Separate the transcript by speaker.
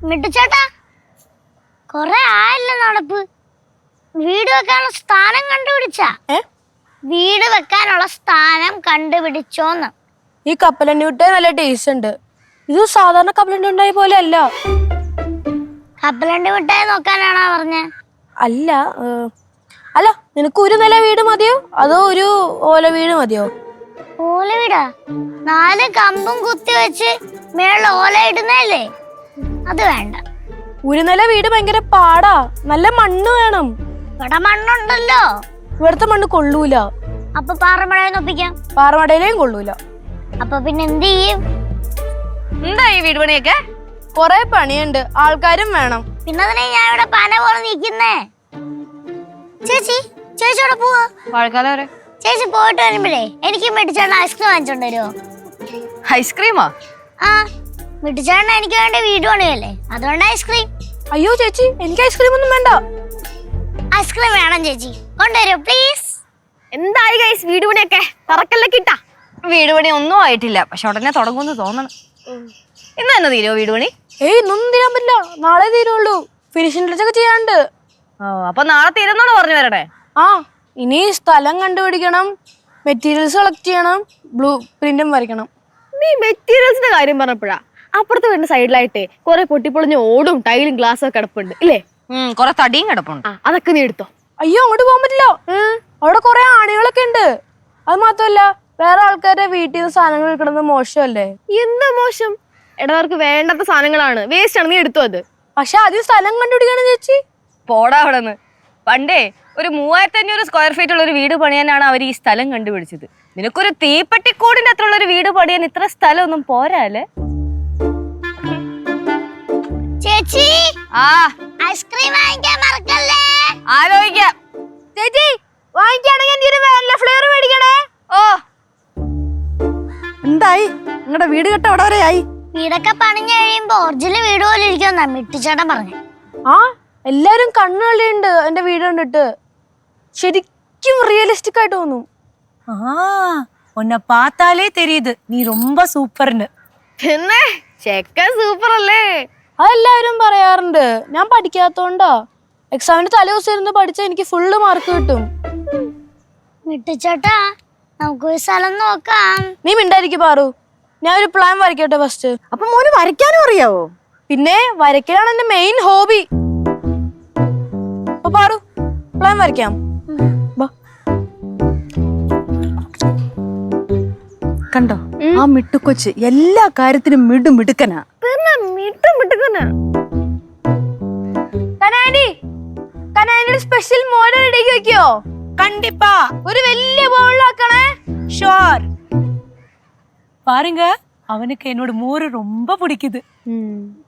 Speaker 1: മിട്ടുചേട്ടാ, കൊറേ ആയല്ലോ നടപ്പ്. വീട് വെക്കാനുള്ള സ്ഥാനം കണ്ടുപിടിച്ചാ? വീട് വെക്കാനുള്ള സ്ഥാനം കണ്ടുപിടിച്ചോന്ന്.
Speaker 2: ഈ കപ്പലണ്ടി മിഠായി നല്ല ടേസ്റ്റ് ഉണ്ട്. ഇത് സാധാരണ കപ്പലണ്ടി മിഠായി പോലെ അല്ല.
Speaker 1: കപ്പലണ്ടി മിഠായി നോക്കാനാണോ പറഞ്ഞ?
Speaker 2: അല്ല അല്ല, നിനക്ക് ഒരു നില വീട് മതിയോ അതോ ഒരു ഓല വീട് മതിയോ?
Speaker 1: ഓല വീടാ? 4 കമ്പും കുത്തി വെച്ച് മേളിൽ ഓല ഇടുന്നല്ലേ, അത് വേണ്ട.
Speaker 2: ഒരു നില വീട് ഭയങ്കര പാടാ, നല്ല മണ്ണ് വേണം.
Speaker 1: ഇവിടെ മണ്ണുണ്ടല്ലോ.
Speaker 2: ഇവിടുത്തെ മണ്ണ് കൊള്ളൂല.
Speaker 1: അപ്പൊ പാറമടയിൽ ഒപ്പിക്കാം.
Speaker 2: പാറമടയിലേയും കൊള്ളൂല.
Speaker 1: അപ്പൊ പിന്നെ എന്ത് ചെയ്യും?
Speaker 3: എന്താ ഈ വീട് പണിയൊക്കെ?
Speaker 2: കൊറേ പണിയുണ്ട്, ആൾക്കാരും വേണം.
Speaker 1: പിന്നെ അതിനെ ഞാൻ ഇവിടെ പന പോലെ നിൽക്കുന്നേ. ചേച്ചി ഇവിടെ പോവാ.
Speaker 3: മഴക്കാലം വരെ
Speaker 1: ചേച്ചി പോയിട്ട് വരുമ്പോഴേ എനിക്ക് മിട്ടിച്ചേട്ടൻ ഐസ്ക്രീം വാങ്ങിച്ചോണ്ട് വരുമോ?
Speaker 3: ഐസ്ക്രീമാ?
Speaker 1: ആ, മിട്ടിച്ചേട്ടൻ എനിക്ക് വേണ്ടി വീട് പണിയല്ലേ, അതുകൊണ്ട് ഐസ്ക്രീം.
Speaker 2: അയ്യോ ചേച്ചി, എനിക്ക് ഐസ്ക്രീം ഒന്നും വേണ്ട.
Speaker 1: ഐസ്ക്രീം വേണം ചേച്ചി, കൊണ്ടുവരൂ പ്ലീസ്.
Speaker 3: എന്തായി ഗൈസ് വീട് പണിയൊക്കെ? തറക്കല്ലേ കിട്ടാ? വീട് പണി ഒന്നും ആയിട്ടില്ല, പക്ഷെ ഉടനെ തുടങ്ങുമെന്ന് തോന്നണം. ഇന്ന് തന്നെ തീരുമോ വീട് പണി?
Speaker 2: ഇന്നൊന്നും തീരാൻ പറ്റില്ല, നാളെ തീരുള്ളൂ. ഫിനിഷിംഗ് ടച്ചൊക്കെ ചെയ്യാണ്ട്.
Speaker 3: അപ്പൊ നാളെ തീരുന്നാണോ പറഞ്ഞു വരണേ?
Speaker 2: ആ, ഇനി സ്ഥലം കണ്ടുപിടിക്കണം, മെറ്റീരിയൽസ് കളക്ട് ചെയ്യണം, ബ്ലൂ പ്രിന്റും വരയ്ക്കണം.
Speaker 3: നീ മെറ്റീരിയൽസിന്റെ കാര്യം പറഞ്ഞപ്പോഴാ അപ്പുറത്ത് വരുന്ന സൈഡിലായിട്ടേ കുറെ പൊട്ടിപ്പൊളിഞ്ഞ ഓടും ടൈലും ഗ്ലാസും ഒക്കെ കിടപ്പുണ്ട് ഇല്ലേ? കുറെ തടിയും കിടപ്പുണ്ട്. അതൊക്കെ നീ എടുത്തോ.
Speaker 2: അയ്യോ, അങ്ങോട്ട് പോകാൻ പറ്റില്ല, അവിടെ കുറെ ആണികളൊക്കെ ഉണ്ട്. അത് മാത്രമല്ല, വേറെ ആൾക്കാരുടെ വീട്ടിൽ നിന്ന് സാധനങ്ങൾ എടുക്കുന്നത് മോശമല്ലേ?
Speaker 3: എന്താ മോശം? ഇടവർക്ക് വേണ്ടാത്ത സാധനങ്ങളാണ്, വേസ്റ്റ് ആണ്, നീ എടുത്തോ അത്.
Speaker 2: പക്ഷെ ആദ്യം സ്ഥലം കണ്ടുപിടിക്കണം ചേച്ചി.
Speaker 3: പോടാ അവിടെ നിന്ന്. പണ്ടേ ഒരു 3500 സ്ക്വയർ ഫീറ്റ് ഉള്ള ഒരു വീട് പണിയാനാണ് അവർ ഈ സ്ഥലം കണ്ടുപിടിച്ചത്. നിനക്കൊരു തീപ്പെട്ടിക്കൂടിന്റെ അത്ര ഉള്ള ഒരു വീട് പണിയാൻ ഇത്ര സ്ഥലം ഒന്നും പോരാല്ലേ?
Speaker 1: ചേച്ചി, ഐസ്ക്രീം വാങ്ങിക്കാൻ മറക്കല്ലേ.
Speaker 3: ആലോചിക്കാം.
Speaker 2: ചേച്ചി വാങ്ങിക്കുകയാണെങ്കിൽ ഫ്ലേവർ മേടിക്കണേ.
Speaker 3: ഓ,
Speaker 4: എന്തായി നിങ്ങളുടെ വീട് കെട്ട അവിടെ വരെയായി?
Speaker 1: വീടൊക്കെ പണിഞ്ഞു കഴിയുമ്പോ ഒറിജിനൽ വീട് പോലെ ഇരിക്കുമെന്നാ മിട്ടിച്ചേട്ടൻ പറഞ്ഞു.
Speaker 2: ആ, എല്ലാരും കണ്ണുകളിയുണ്ട് എന്റെ വീട് കണ്ടിട്ട്. ശരിക്കും റിയലിസ്റ്റിക് ആയിട്ട് തോന്നും.
Speaker 4: ഉന്നെ പാത്താലേ തെരിയുത് നീ ரொம்ப സൂപ്പർന്ന്.
Speaker 3: പിന്നെ ചെക്കൻ സൂപ്പർ അല്ലേ?
Speaker 2: അതെല്ലാവരും പറയാറുണ്ട്. ഞാൻ പഠിക്കാത്തോണ്ടാ. എക്സാമിന് തലേ ദിവസം ഇരുന്ന് പഠിച്ചാൽ എനിക്ക് ഫുള്ള് മാർക്ക് കിട്ടും.
Speaker 1: മിട്ടിച്ചേട്ടാ, നമുക്കൊരു സ്ഥലം നോക്കാം.
Speaker 2: നീ മിണ്ടായിരിക്കും പാറു, ഞാൻ ഒരു പ്ലാൻ വരയ്ക്കട്ടെ ഫസ്റ്റ്.
Speaker 4: അപ്പൊ മോന് വരയ്ക്കാനും അറിയാവോ?
Speaker 2: പിന്നെ വരയ്ക്കലാണ് എന്റെ മെയിൻ ഹോബി. അപ്പൊ പാറു, പ്ലാൻ വരയ്ക്കാം.
Speaker 4: കണ്ടോ, ആ മിട്ടുക്കൊച്ച് എല്ലാ കാര്യത്തിനും മിടുക്കനാ.
Speaker 2: സ്പെഷ്യൽ മോഡൽ റെഡിയാക്കി വെക്കോ?
Speaker 4: കണ്ടിപ്പാ
Speaker 2: ഒരു വലിയ ബൗളിലാക്കണേ.
Speaker 4: ஷோர் பாருங்க, அவனுக்கு என்னோட மோரு ரொம்ப பிடிக்குது.